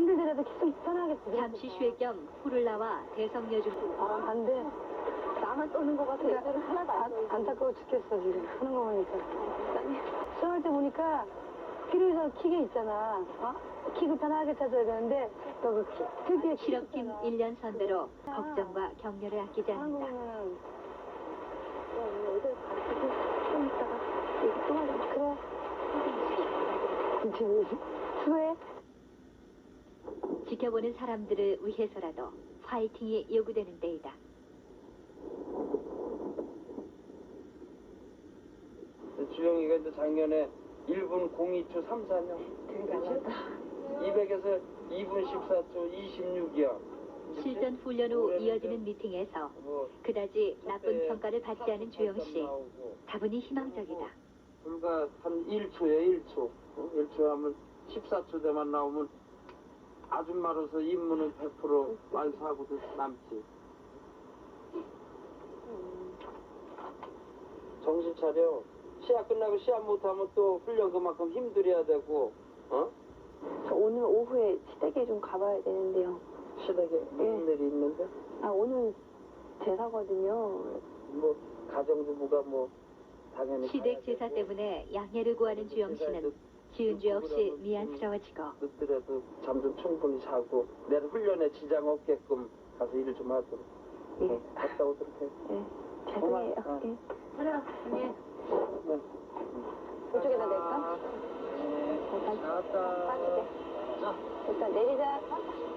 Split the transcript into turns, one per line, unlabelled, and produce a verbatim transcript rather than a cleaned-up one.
힘들더라도 계속 편하겠지.
잠시 쉴 겸 풀을 나와 대성여중.
아, 안 돼. 나만 떠는 거 같아. 애들은 하나도 안 떠. 안타까워 죽겠어, 지금. 하는 거 보니까. 수영할 때 보니까 필요해서 킥에 있잖아. 어? 킥을 편하게 찾아야 되는데, 너그 특유의
실업팀 일 년 선배로 걱정과 격려를 아끼지
하는 거
않는다.
보면, 야, 오늘 애들 가르치고 좀 있다가 얘기 또 하자. 그래. 그치. 수고해.
지켜보는 사람들을 위해서라도 파이팅이 요구되는 때이다.
주영이가 이제 작년에 일 분 공이 초 삼십사 년.
되게 잘났다.
이백에서 이 분 십사 초 이십육이야.
실전 훈련 후 이어지는 미팅에서 그다지 나쁜 평가를 받지 않은 주영 씨. 다분히 희망적이다.
불과 한 일 초에 일 초. 어? 일 초 하면 십사 초 대만 나오면 아줌마로서 임무는 백 퍼센트 완수하고도 남지. 정신 차려. 시합 끝나고 시합 못하면 또 훈련 그만큼 힘들여야 되고, 어?
저 오늘 오후에 시댁에 좀 가봐야 되는데요.
시댁에 무슨 일이 있는데?
아, 오늘 제사거든요.
뭐 가정주부가 뭐 당연히
시댁 제사 때문에 양해를 구하는 주영 씨는 지은 죄 없이 미안스러워지고
늦더라도 잠 좀 충분히 자고 내일 훈련에 지장 없게끔 가서 일을 좀 하도록.
예.
어, 갔다 오도록 해.
예. 죄송해요.
고마워.
예.
그래, 언니.
네.
이쪽에다 낼까?
네.
잠깐.
나왔다.
빠지게. 일단 내리자.